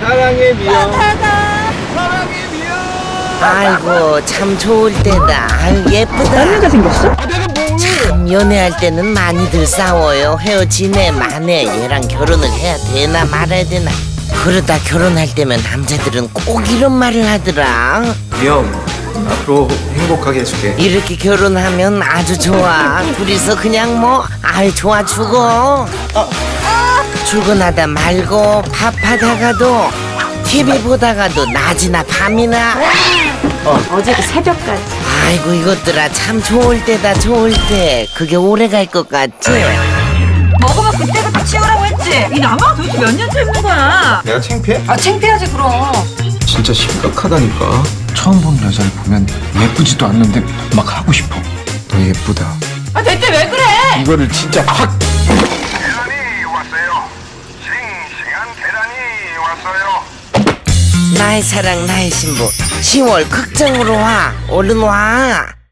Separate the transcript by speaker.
Speaker 1: 사랑의 미역. 사랑의 미역.
Speaker 2: 아이고 참 좋을 때다. 아유 예쁘다.
Speaker 3: 남자가 생겼어?
Speaker 1: 아 내가 뭐?
Speaker 2: 참 연애할 때는 많이들 싸워요. 헤어지네 마네. 얘랑 결혼을 해야 되나 말아야 되나. 그러다 결혼할 때면 남자들은 꼭 이런 말을 하더라.
Speaker 1: 미영, 앞으로 행복하게 해줄게.
Speaker 2: 이렇게 결혼하면 아주 좋아. 둘이서 그냥 뭐 아이 좋아 죽어. 출근하다 말고 밥하다가도 TV 보다가도 낮이나 밤이나.
Speaker 3: 어제도 새벽까지.
Speaker 2: 아이고 이것들아 참 좋을 때다 좋을 때. 그게 오래 갈 것 같지?
Speaker 4: 먹으면 그때부터 치우라고 했지. 이 나무가 도대체 몇 년째 있는 거야?
Speaker 1: 내가 창피해?
Speaker 4: 아 창피하지 그럼.
Speaker 1: 진짜 심각하다니까. 처음 본 여자를 보면 예쁘지도 않는데 막 하고 싶어. 너 예쁘다.
Speaker 4: 아 대체 왜 그래?
Speaker 1: 이거를 진짜 확.
Speaker 5: 계란이 왔어요. 싱싱한 계란이 왔어요.
Speaker 2: 나의 사랑 나의 신부 10월 극장으로 와 얼른 와.